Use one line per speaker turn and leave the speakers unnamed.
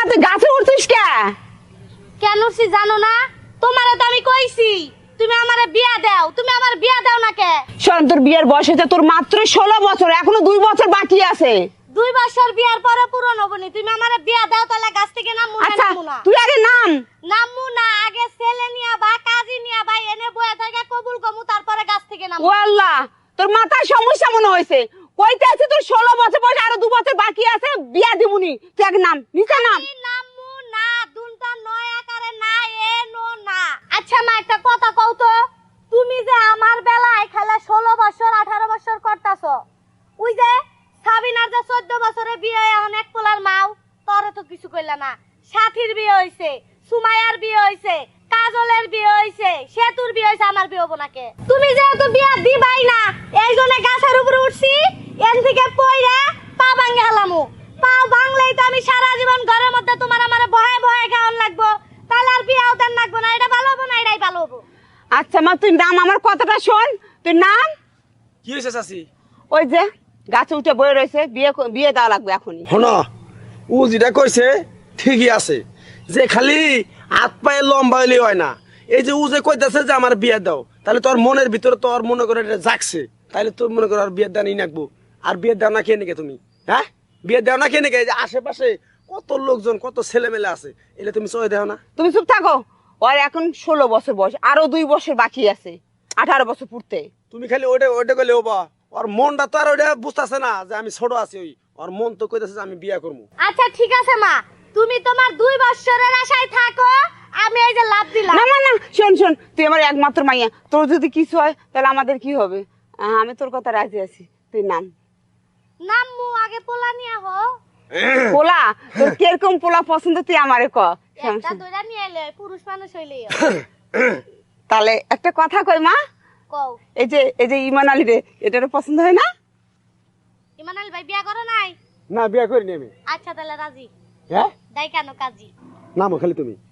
তুই গাছে উঠছিস কে?
কেন উঠছি জানো না? তোমারে তো আমি কইছি তুমি আমারে বিয়া দাও, তুমি আমার বিয়া দাও না কে?
শোন, তোর বিয়ের বয়স হয়েছে তোর মাত্র 16 বছর, এখনো 2 বছর বাকি আছে।
2 বছর বিয়ার পরে পূরণ হবনি, তুমি আমারে বিয়া দাও তাহলে গাছ থেকে নামু না?
আচ্ছা
নামু না,
তুই আগে নাম।
নামু না, আগে ছেলে নিয়া বা কাজী নিয়া বা এনে বয়া থেকে কবুল কমু, তারপরে গাছ থেকে নামু।
ও আল্লাহ, তোর মাথার সমস্যা মনে হয়েছে। কইতে আছে তোর 16 বছর বয়স, আরো 2 বছর বাকি আছে, বিয়া দিমুনি। তুই আগে নাম, নিচে নাম।
আমি নামু না, দুনটা নয় আকারে না, এ নো না। আচ্ছা মা, একটা কথা কও তো, তুমি যে আমার বেলায় খেলা 16 বছর 18 বছর করতাছো, ওই যে সাবিনার যে 14 বছরে বিয়ে এখন এক পোলার মাও, তোরে তো কিছু কইলা না। সাথীর বিয়ে হইছে, সুমাইয়ার বিয়ে হইছে, কাজলের বিয়ে হইছে, সেতুর বিয়ে হইছে, আমার বিয়ে হবো না কে? তুমি যেহেতু বিয়া দিবাই না, এই জন্য গাছের উপরে উঠছি, এন থেকে পইরা পা ভাঙ্গে হালামু। পা ভাঙলেই তো আমি সারা জীবন ঘরের মধ্যে তোমার আমার ভয়ে ভয়ে খাওয়ান লাগবো, তাহলে আর বিয়াও দেন লাগবো না। এটা ভালো হবো না, এটাই ভালো হবো।
আচ্ছা মা, তুই নাম, আমার কথাটা শোন, তুই নাম।
কি হয়েছে চাচি?
ওই যে গাছে উঠে বয়ে রয়েছে, বিয়ে দেওয়া লাগবে এখনই।
হনা, ও যেটা কইছে ঠিকই আছে, যে খালি হাত পায়ে লম্বা হইলে হয় না। এই যে ও যে কইতাছে যে আমার বিয়ে দাও, তাহলে তোর মনের ভিতরে তোর মনে করে এটা জাগছে, তাহলে তোর মনে করে আর বিয়ে দাও নিয়ে নাকবো। আর বিয়ে দাও না খেয়ে নাকি তুমি? হ্যাঁ, বিয়ে দাও না খেয়ে নাকি? এই যে আশেপাশে কত লোকজন, কত ছেলে মেলে আছে, এলে তুমি চয়ে দেও না?
তুমি চুপ থাকো। ওর এখন 16 বছর বয়স, আরো 2 বছর বাকি আছে 18 বছর পূর্তে।
তুমি খালি ওইটা কইলে হবা, ওর মনটা তো আর ওইটা বুঝতেছে না যে আমি ছোট আছি। ওর মন তো কইতাছে যে আমি বিয়ে করবো।
আচ্ছা ঠিক আছে মা, তুমি তোমার 2 বছরের আশায় থাকো, আমি এই যে লাভ দিলাম।
না না না, শোন শোন, তুই আমার একমাত্র মাইয়া, তোর যদি কিছু হয় তাহলে আমাদের কি হবে? আমি তোর কথা রাজি আছি, তুই নাম।
নামু, আগে পোলা নিয়া হো।
পোলা, তোর কিরকম পোলা পছন্দ তুই আমারে ক।
একটা দইরা নিয়ে এলে, পুরুষ মানুষ হইলেই হয়।
তাহলে একটা কথা কই মা,
কও।
এই যে ইমান আলী রে, এটারও পছন্দ হয় না?
ইমান আলী ভাই বিয়া করো নাই?
না, বিয়ে করিনি আমি।
আচ্ছা তাহলে রাজি।
হ্যাঁ,
দাই কেন কাজী?
নামো খালি তুমি।